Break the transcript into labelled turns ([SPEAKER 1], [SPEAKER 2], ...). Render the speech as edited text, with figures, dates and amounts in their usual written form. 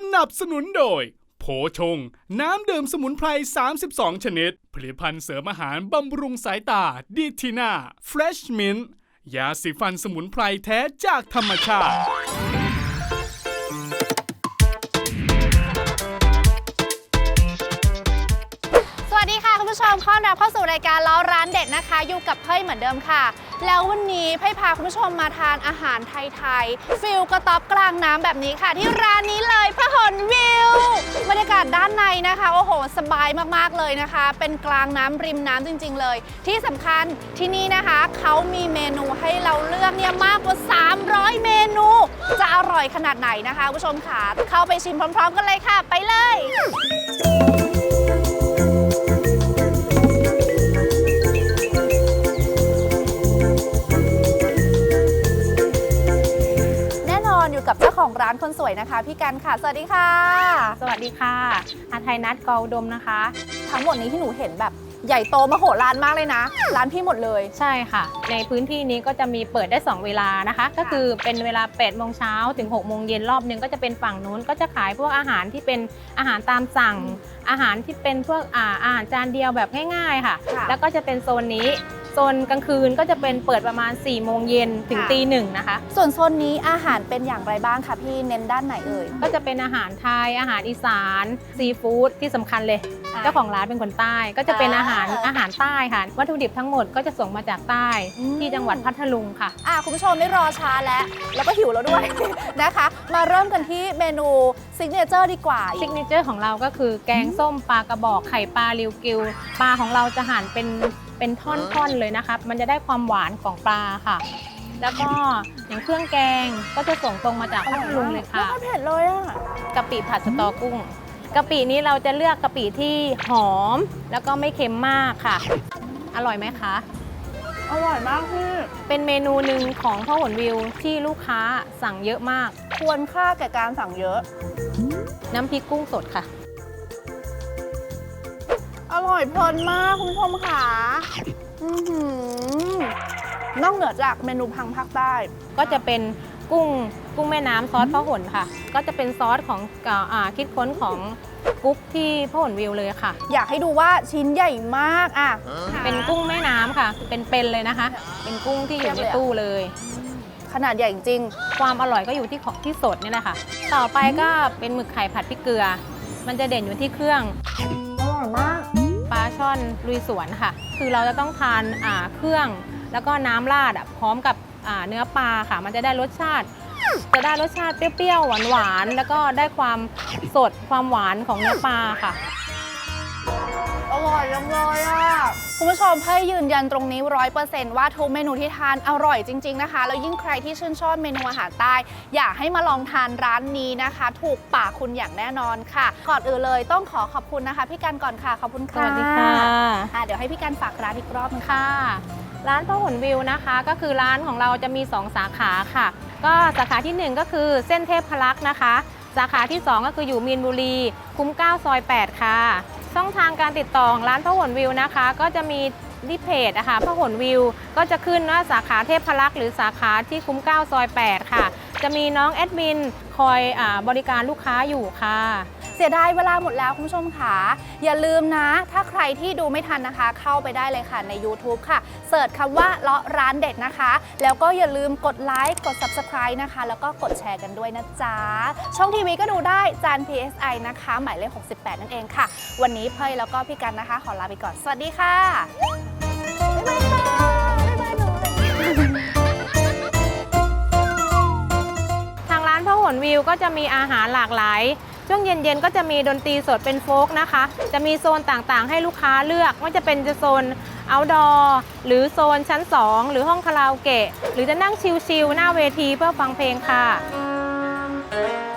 [SPEAKER 1] นับสนุนโดยโผชงน้ำดื่มสมุนไพร32ชนิดผลิตภัณฑ์เสริมอาหารบำรุงสายตาดีทีน่าเฟรชมินต์ยาสีฟันสมุนไพรแท้จากธรรมชาติ
[SPEAKER 2] สวัสดีค่ะคุณผู้ชมต้อนรับเข้าสู่รายการล้อร้านเด็ดนะคะอยู่กับเพ่ยเหมือนเดิมค่ะแล้ววันนี้เพ่ยพาคุณผู้ชมมาทานอาหารไทยๆฟิลกระต๊อบกลางน้ำแบบนี้ค่ะที่ร้านนี้เลยพหลวิวบรรยากาศด้านในนะคะโอ้โหสบายมากๆเลยนะคะเป็นกลางน้ำริมน้ำจริงๆเลยที่สำคัญที่นี่นะคะเขามีเมนูให้เราเลือกเนี่ยมากกว่า300เมนูจะอร่อยขนาดไหนนะคะคุณผู้ชมค่ะเข้าไปชิมพร้อมๆกันเลยค่ะไปเลยอยู่กับเจ้าของร้านคนสวยนะคะพี่กันค่ะสวัสดีค่ะ
[SPEAKER 3] สวัสดีค่ะอาไทยนัทกออุดมนะคะ
[SPEAKER 2] ทั้งหมดนี้ที่หนูเห็นแบบใหญ่โตมโหฬารมากเลยนะร้านพี่หมดเลย
[SPEAKER 3] ใช่ค่ะในพื้นที่นี้ก็จะมีเปิดได้2เวลานะคะก็คือเป็นเวลา8 โมงเช้าถึง6 โมงเย็นรอบนึงก็จะเป็นฝั่งนู้นก็จะขายพวกอาหารที่เป็นอาหารตามสั่งอาหารที่เป็นพวกอาหารจานเดียวแบบง่ายๆค่ะแล้วก็จะเป็นโซนนี้โซนกลางคืนก็จะเป็นเปิดประมาณ4 โมงเย็นถึงตี 1นะคะ
[SPEAKER 2] ส่วนโซนนี้อาหารเป็นอย่างไรบ้างคะพี่เน้นด้านไหนเอ่ย
[SPEAKER 3] ก็จะเป็นอาหารไทยอาหารอีสานซีฟู้ดที่สำคัญเลยเจ้าของร้านเป็นคนใต้ก็จะเป็นอาหารใต้ค่ะวัตถุดิบทั้งหมดก็จะส่งมาจากใต้ที่จังหวัดพัทลุงค่ะ
[SPEAKER 2] คุณผู้ชมไม่รอช้าแล้วก็หิวแล้วด้วย นะคะมาเริ่มกันที่เมนูซิกเนเจอร์ดีกว่า
[SPEAKER 3] ซิกเนเจอร์ของเราก็คือแกงส้มปลากระบอกไข่ปลาริวกิวปลาของเราจะหั่นเป็นท่อนๆเลยนะคะมันจะได้ความหวานของปลาค่ะแล้วก็อย่างเครื่องแกงก็จะส่งตรงมาจากพัทลุงเลยค่ะ
[SPEAKER 2] ไม่เผ็ดเลยอ่ะ
[SPEAKER 3] กะปิผัดสตอกุ้งกะปินี้เราจะเลือกกะปิที่หอมแล้วก็ไม่เค็มมากค่ะอร่อยไหมคะ
[SPEAKER 2] อร่อยมากพี่
[SPEAKER 3] เป็นเมนูหนึ่งของพหลวิวที่ลูกค้าสั่งเยอะมาก
[SPEAKER 2] ควรค่าแก่การสั่งเยอะ
[SPEAKER 3] น้ำพริกกุ้งสดค่ะ
[SPEAKER 2] อร่อยเพลินมากคุณผู้ชมค่ะนอกเหนือจากเมนูพังภาคใต้
[SPEAKER 3] ก็จะเป็นกุ้งแม่น้ำซอสพหลค่ะก็จะเป็นซอสของคิดค้นของกุ๊กที่พหลวิวเลยค่ะ
[SPEAKER 2] อยากให้ดูว่าชิ้นใหญ่มาก
[SPEAKER 3] เป็นกุ้งแม่น้ำค่ะเป็นเลยนะคะเป็นกุ้งที่อยู่ในตู้เลย
[SPEAKER 2] ขนาดใหญ่จริง
[SPEAKER 3] ความอร่อยก็อยู่ที่สดนี่แหละค่ะต่อไปก็เป็นหมึกไข่ผัดพริกเกลือมันจะเด่นอยู่ที่เครื่อง
[SPEAKER 2] อร่อยมาก
[SPEAKER 3] ปลาช่อนลุยสวนค่ะคือเราจะต้องทานเครื่องแล้วก็น้ำราดพร้อมกับเนื้อปลาค่ะมันจะได้รสชาติเปรี้ยวๆหวานๆแล้วก็ได้ความสดความหวานของเนื้อปลาค่ะ
[SPEAKER 2] อร่อยจังเลยคุณผู้ชมให้ยืนยันตรงนี้ 100% ว่าทุกเมนูที่ทานอร่อยจริงๆนะคะแล้วยิ่งใครที่ชื่นชอบเมนูอาหารใต้อยากให้มาลองทานร้านนี้นะคะถูกปากคุณอย่างแน่นอนค่ะก่อนอื่นเลยต้องขอขอบคุณนะคะพี่กันก่อนค่ะขอบคุณค่ะ
[SPEAKER 3] สวัสดีค่ะ
[SPEAKER 2] เดี๋ยวให้พี่กันฝากร้านอีกรอบนึง
[SPEAKER 3] ค่ะร้านพหลวิวนะคะก็คือร้านของเราจะมี2สาขาค่ะก็สาขาที่1ก็คือเส้นเทพพลักษณ์นะคะสาขาที่2ก็คืออยู่มีนบุรีคุ้ม9ซอย8ค่ะช่องทางการติดต่อของร้านพหลวิวนะคะก็จะมีที่เพจนะคะพหลวิวก็จะขึ้นว่าสาขาเทพพลักษณ์หรือสาขาที่คุ้ม9ซอย8ค่ะจะมีน้องแอดมินคอยบริการลูกค้าอยู่ค่ะ
[SPEAKER 2] เสียดายเวลาหมดแล้วคุณผู้ชมค่ะอย่าลืมนะถ้าใครที่ดูไม่ทันนะคะเข้าไปได้เลยค่ะใน YouTube ค่ะเสิร์ชคำว่าเลาะร้านเด็ดนะคะแล้วก็อย่าลืมกดไลค์กด Subscribe นะคะแล้วก็กดแชร์กันด้วยนะจ๊ะช่องทีวีก็ดูได้จาน PSI นะคะหมายเลข68นั่นเองค่ะวันนี้เพ่ยแล้วก็พี่กันนะคะขอลาไปก่อนสวัสดีค่ะบ๊ายบาย
[SPEAKER 3] ทางร้านพหลวิวก็จะมีอาหารหลากหลายช่วงเย็นๆก็จะมีดนตรีสดเป็นโฟล์กนะคะจะมีโซนต่างๆให้ลูกค้าเลือกว่าจะเป็นโซนเอาท์ดอร์หรือโซนชั้น2หรือห้องคาราโอเกะหรือจะนั่งชิลๆหน้าเวทีเพื่อฟังเพลงค่ะ